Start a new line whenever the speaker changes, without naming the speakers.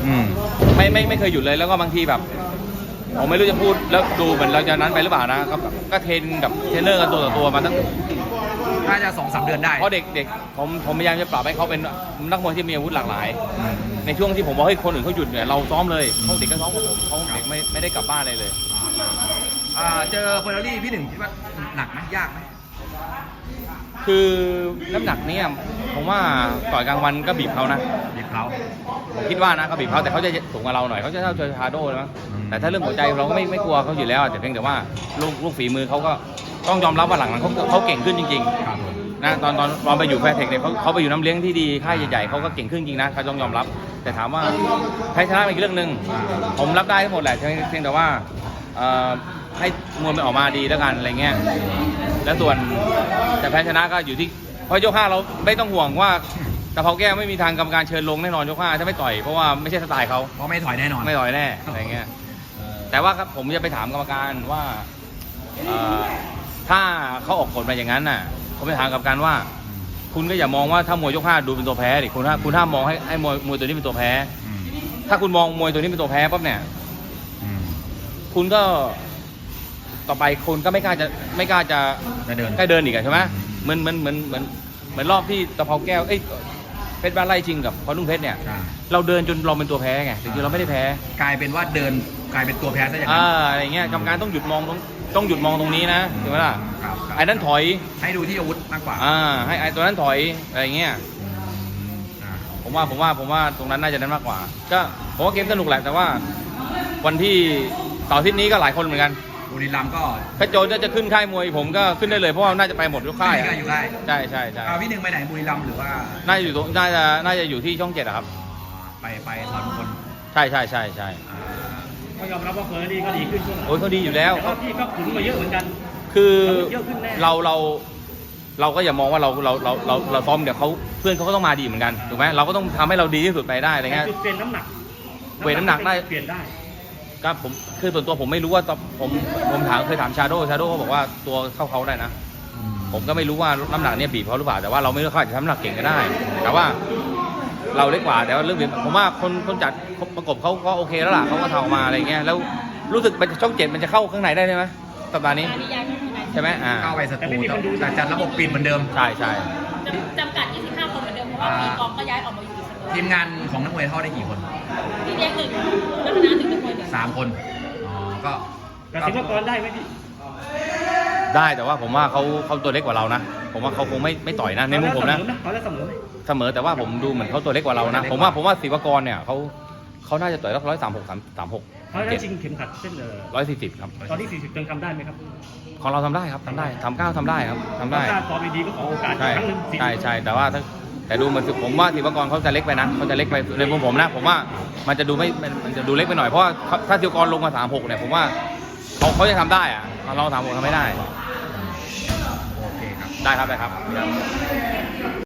ไม่เคยหยุดเลยแล้วก็บางทีแบบผมไม่รู้จะพูดแล้วดูเหมือนเราจะนั้นไปหรือเปล่านะก็เทรนกับเทรนเนอร์กันตัวต่อตัวมาตั้ง
น่าจะ2-3 เดือนได้
เพราะเด็กผมพยายามจะปรับให้เขาเป็นนักมวยที่มีอาวุธหลากหลายในช่วงที่ผมบอกให้คนอื่นเขาหยุดเนี่ยเราซ้อมเลยเขาเด็กก็ซ้อมกับผมเขาเด็กไม่ได้กลับบ้านอะไรเลย
เจอเฟอร์รารี่พี่หนึ่งคิดว่าหนักไหมยากไหม
คือน้ำหนักเนี่ยผมว่าต่อยกลางวันก็บีบเขานะ
บีบเขา
ผมคิดว่านะเขาบีบเขาแต่เขาจะสูงกว่าเราหน่อยเขาจะเท่าเจอชาโดเลยมั้งแต่ถ้าเรื่องหัวใจเราก็ไม่กลัวเขาอยู่แล้วแต่เพียงแต่ว่าลูกฝีมือเขาก็ต้องยอมรับว่าหลังเขาเก่งขึ้นจริงๆนะตอนไปอยู่แฟร์เทคเนี่ยเขาไปอยู่น้ำเลี้ยงที่ดีค่ายใหญ่ๆเขาก็เก่งขึ้นจริงนะเขาต้องยอมรับแต่ถามว่าแพ้ชนะเป็นอีกเรื่องหนึ่งผมรับได้ทั้งหมดแหละเพียงแต่ว่าให้มวยมันออกมาดีแล้วกันอะไรเงี้ยแล้วส่วนแต่แพ้ชนะก็อยู่ที่เพราะยก 5เราไม่ต้องห่วงว่าตะเภาแก้วไม่มีทางกรรมการเชิญลงแน่นอนยก 5ถ้าไม่ต่อยเพราะว่าไม่ใช่สไตล์เขา
เพราะไม่ถอยแน่นอน
ไม่ต่อยแน่อะไรเงี้ยแต่ว่าครับผมจะไปถามกรรมการว่าถ้าเขาออกกฎมาอย่างนั้นน่ะผมไปถามกรรมการว่าคุณก็อย่ามองว่าถ้ามวยยก 5ดูเป็นตัวแพ้ดิคุณห้ามมองให้มวยตัวนี้เป็นตัวแพ้ถ้าคุณมองมวยตัวนี้เป็นตัวแพ้ปั๊บเนี่ยคุณก็ต่อไปคุณก็ไม่กล้าจะใกล้เดินอีกใช่ไหมเหมือนรอบที่ตะเภาแก้วเพชรบ้านไร่จริงกับพอนุ่งเพชรเนี่ยเราเดินจนเราเป็นตัวแพ้ไงจริงๆเราไม่ได้แพ้
กลายเป็นว่าเดินกลายเป็นตัวแพ้ซะอย่างนั้น
อะไรเงี้ยกรรมการต้องหยุดมองตรงนี้นะถูกไหมล่ะไอ้นั้นถอย
ให้ดูที่อาวุธมากกว่า
ให้ไอ้ตัวนั้นถอยอะไรเงี้ยผมว่าตรงนั้นน่าจะนั้นมากกว่าก็ผมว่าเกมสนุกแหละแต่ว่าวันที่เสาร์อาทิตย์นี้ก็หลายคนเหมือนกัน
บุรีรัมย์ก็
ถ้าโจจะขึ้นค่ายมวยผมก็ขึ้นได้เลยเพราะว่าน่าจะไปหมดทุกค่าย
อยู่ได้
ใช่
พี่หนึ่งไปไหนบุรีรัมย์หรือว่า
น่าจะอยู่ที่ช่อง 7ครับ
ไปถอนคน
ใช่
ก็ยอมรับว่าเฟอร์รี่ก็ดีขึ้นช่วงหลัง
โอ้ยเขาดีอยู่แล้ว
พี่ก็ขุนมาเยอะเหมือนกัน
คือเราก็อย่ามองว่าเราซ้อมเดี๋ยวเขาเพื่อนเขาก็ต้องมาดีเหมือนกันถูกไหมเราก็ต้องทำให้เราดีที่สุดไปได้อะไรเงี้ย
เปลี่ยนน้ำหนัก
ได้
เปลี่ยนได้
ก็ผมคือส่วนตัวผมไม่รู้ว่าผมเคยถามชาโดเขาบอกว่าตัวเข้าเขาได้นะผมก็ไม่รู้ว่าน้ำหนักเนี่ยบีบเขาหรือเปล่าแต่ว่าเราไม่รู้เขาอาจจะทำน้ำหนักเก่งก็ได้แต่ว่าเราเล็กกว่าแต่ว่าเรื่องผมว่าคนจัดประกบเขาก็โอเคแล้วล่ะเขาก็ทำมาอะไรเงี้ยแล้วรู้สึกช่อง 7มันจะเข้าข้างในได้ไหมสัปดาห์นี้ใช่ไหม
เข้าไปสตูแต่จัดระบบปิดเหมือนเดิม
ใช่
จำกัด25 คนเหมือนเดิมเพราะว่ามีกองก็ย้ายออกมาอยู่
ทีมงานของนักมวยเท่าได้กี่คน
พี่เลี้ยง1นักคณะถึงนักมวย
3 คน
ก็ศิลปากรได้ไหมพี่
ได้แต่ว่าผมว่าเขาตัวเล็กกว่าเรานะผมว่าเขาคงไม่ต่อยนะในมุมผมนะ
เขาจะเ
สมอแต่ว่าผมดูเหมือนเขาตัวเล็กกว่าเรานะผมว่าศิลปากรเนี่ยเขาน่าจะต่อยแล้ว136
เขาได้ชิงเข็มขัดเส้น
140ครับ
ตอนที่40ยังทำได้ไหมครับ
ของเราทำได้ครับทำได้ทำ9ทำได้ครับทำได้
ถ้าตอนดีก็ขอโอกาสครั้งนึง
ใช่แต่ว่าแต่ดูเหมือนผมว่าศิลปากรเขาจะเล็กไปนะเขาจะเล็กไปในมุมผมนะผมว่ามันจะดูเล็กไปหน่อยเพราะว่าถ้าศิลปากรลงมา36เนี่ยผมว่าเขาจะทำได้อะเรา36ทำไม่ได้
โอเคครับ
ได้ครับ